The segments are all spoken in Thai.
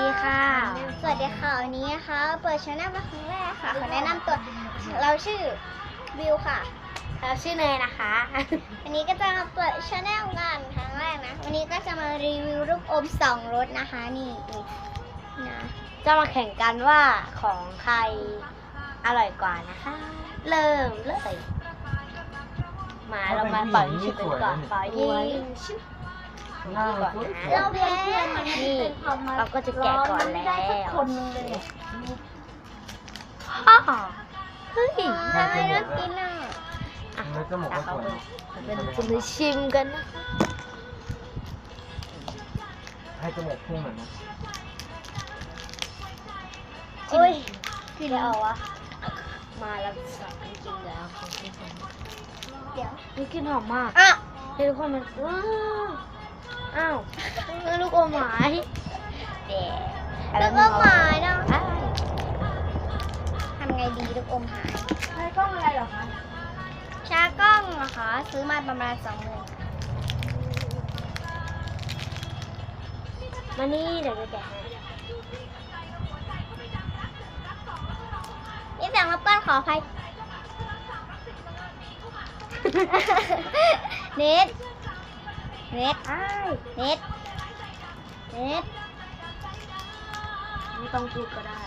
ดีค่ะสวัสดีค่ะวันนี้นะคะเปิดช่องมาครั้งแรกค่ะขอแนะนำตัวเราชื่อวิวค่ะเราชื่อเนยนะคะวันนี้ก็จะมาเปิดช่องกันครั้งแรกนะวันนี้ก็จะมารีวิวลูกอม2 รสนะคะนี่นะจะมาแข่งกันว่าของใครอร่อยกว่านะคะ เริ่มเลยมาเรามาปล่อยชุดกันก่อนปล่อยยิงชุดก่อนนะเราแพ้นี่เราก็จะแกะก่อนแล้วคนนึงเลยอ้อเฮ้ยน่ากินอ่ะอ่ะแล้วจมูกก็สวยเป็นจะมาชิมกันนะคะให้จมูกพุ่งเหมือนนะโอ้ยกินแล้ววะมาแล้วสองกินแล้วของกินเดี๋ยวนี่กินหอมมากอ่ะเฮ้ยทุกคนมันอ้าวลูกอมหมายแล้วก็หมายนะอ้าวทำไงดีลูกอมหายใช้กล้องอะไรเหรอคะชากล้องนะคะซื้อมาประมาณ20,000 มานี่เดี๋ยวจะแกะให้นี่เสียงรบกวนขออภัย เน็ตอ้ายเน็ตไม่ต้องพูดก็ได้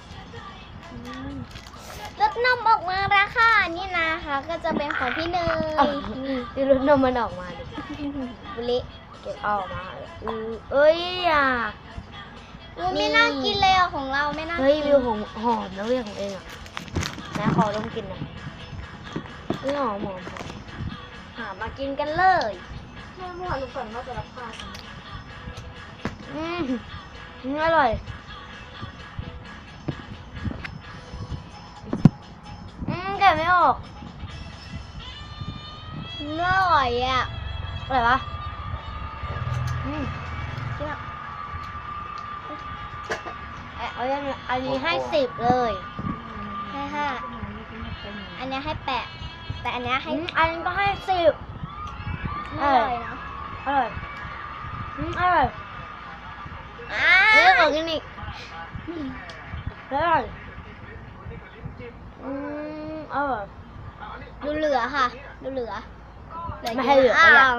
รถนมออกมาแล้วค่ะนี่นะคะ ก็จะเป็นของพี่เนดูรถนมมันออกมาดิบุลิเก็บออกมาเอ้ยอ่ะไม่น่ากินเลยอ่ะของเราไม่น่าเฮ้ยกินวิวหอมนะเรื่องของเองอ่ะนะขอลองกินหน่อยเฮ้ยหอมหามากินกันเลยเมื่อวานลูกฝันว่าจะรับผ้าอร่อยแกะไม่ออกอร่อยอ่ะอะไรวะเอาอันนี้ให้10เลยให้5อันนี้ให้8แต่อันนี้ให้อันนี้ก็ให้10 อร่อยเนาะอร่อยอร่อยอ่าเรื่องของกินอีกอร่อยอร่อยดูเหลือค่ะ ดูเหลือไม่ให้เหลือก็อยาก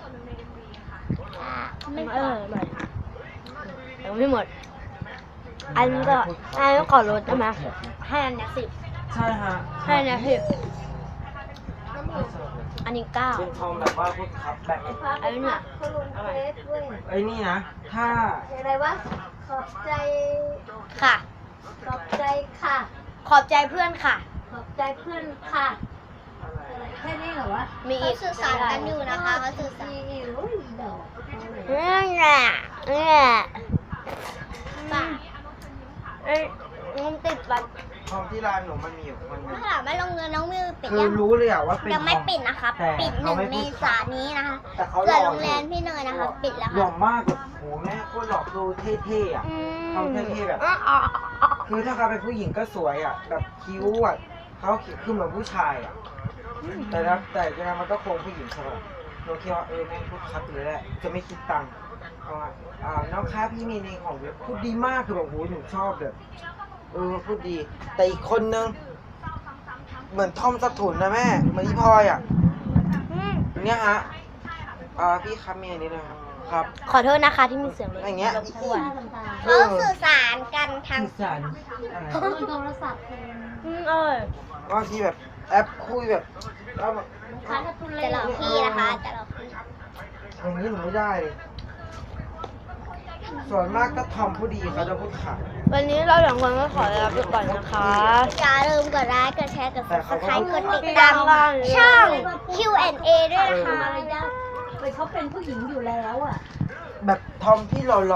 ไม่อร่อยยังไม่หมด อันนี้ก็ขอลดได้ไหมให้อันนี้10 ใช่ฮะให้อันนี้10อันนี้9 เป็นทองแบบว่าพูดครับแบบอันนี้เนี่ยไอ้นี่นะ ถ้าอะไรวะ ขอบใจค่ะขอบใจค่ะขอบใจเพื่อนค่ะขอบใจเพื่อนค่ะ แค่นี้เหรอวะมีอีเขากสื่อสารกันอยู่นะคะเขาสื่อสารนี่แหละมันติดบัตรทองที่ร้านหนูมันมีอยู่คนหนึถ้าง ถามว่าลงเงินน้องมิวปิดคือยังรู้เลยอะว่าเป็นยังไม่ทองปิดนะคะแต่ปิดเขาไม่ 1 เมพูดษายนนี้นะคะแต่เขาหส่ล่วนอโรงแรมพี่เนยนะคะ ปิดแล้วหล่อค่ะมากแบบโหแม่โคตรหล่อดูเท่ๆอะ ทำเท่ๆแบบ คือถ้าเขาเป็นผู้หญิงก็สวยอะแบบคิ้วอะเขาคือเหมือนผู้ชายอะแต่ยังไงมันก็คงผู้หญิงใช่ป่ะเราคิดว่าแม่งพูดคัดเลยแหละจะไม่คิดตังค์เอามาน้องค้าพี่มีในของเว็บพูดดีมากคือแบบโหหนูชอบแบบพูดดี แต่อีกคนนึงเหมือนทอมสถุนนะแม่เหมือนพี่พลอยอะเนี่ยฮะพี่ครับมีอันนี้นะครับครับขอโทษนะคะที่มีเสียงรบอย่างเงี้ยรบกวนเขาสื่อสารกันทางสื่อสารอะไรโทรศัพท์บางทีแบบแอปคุยแบบแล้วแบบจะหลอกพี่นะคะจะหลอกพี่อย่างนี้หนูไม่ได้เลยส่วนมากก็ทอมผู้ดีเขาจะพูดขาดวันนี้เรา2 คนก็ขอลาไปก่อนนะคะอย่าลืมกดไลค์กดแชร์กดแต่เขาก็ subscribe กดติดดัตาง มบ้างช่อง Q&A ด้วยนะคะเขาเป็นผู้หญิงอยู่แล้วอ่ะแบบทอมที่หล่อๆ